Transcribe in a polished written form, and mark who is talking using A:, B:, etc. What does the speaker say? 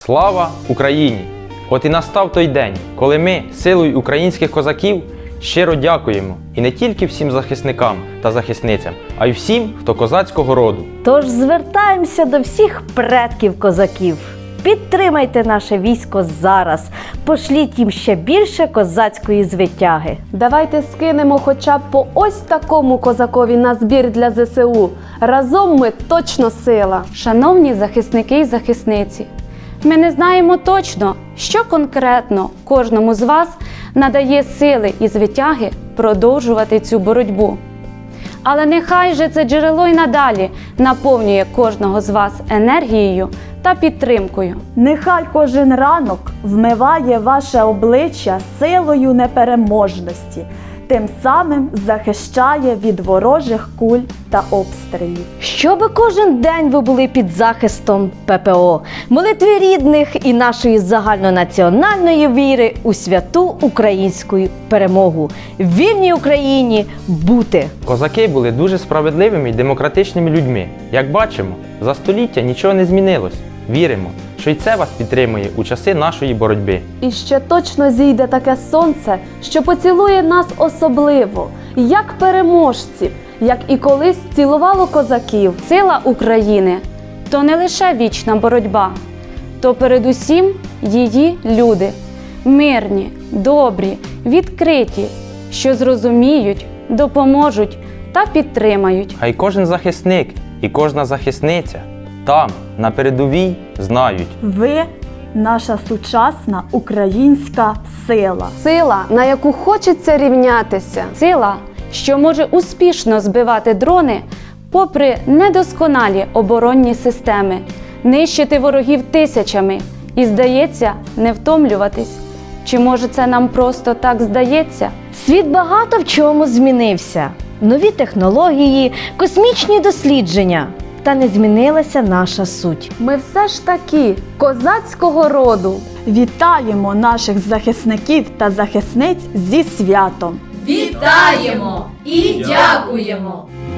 A: Слава Україні! От і настав той день, коли ми, силою українських козаків, щиро дякуємо і не тільки всім захисникам та захисницям, а й всім, хто козацького роду.
B: Тож звертаємося до всіх предків козаків. Підтримайте наше військо зараз, пошліть їм ще більше козацької звитяги.
C: Давайте скинемо хоча б по ось такому козакові на збір для ЗСУ. Разом ми точно сила.
D: Шановні захисники і захисниці, ми не знаємо точно, що конкретно кожному з вас надає сили і звитяги продовжувати цю боротьбу. Але нехай же це джерело й надалі наповнює кожного з вас енергією та підтримкою.
E: Нехай кожен ранок вмиває ваше обличчя силою непереможності, тим самим захищає від ворожих куль та обстрілів.
B: Щоби кожен день ви були під захистом ППО, молитви рідних і нашої загальнонаціональної віри у святу українську перемогу. Вільній Україні бути!
A: Козаки були дуже справедливими і демократичними людьми. Як бачимо, за століття нічого не змінилось. Віримо, що й це вас підтримує у часи нашої боротьби.
C: І ще точно зійде таке сонце, що поцілує нас особливо, як переможців, як і колись цілувало козаків.
D: Сила України – то не лише вічна боротьба, то передусім її люди – мирні, добрі, відкриті, що зрозуміють, допоможуть та підтримають.
A: А й кожен захисник і кожна захисниця там, на передовій, знають.
E: Ви – наша сучасна українська сила.
C: Сила, на яку хочеться рівнятися.
D: Сила, що може успішно збивати дрони попри недосконалі оборонні системи, нищити ворогів тисячами і, здається, не втомлюватись. Чи може це нам просто так здається?
B: Світ багато в чому змінився. Нові технології, космічні дослідження. Та не змінилася наша суть.
C: Ми все ж таки козацького роду.
E: Вітаємо наших захисників та захисниць зі святом!
F: Вітаємо і дякуємо!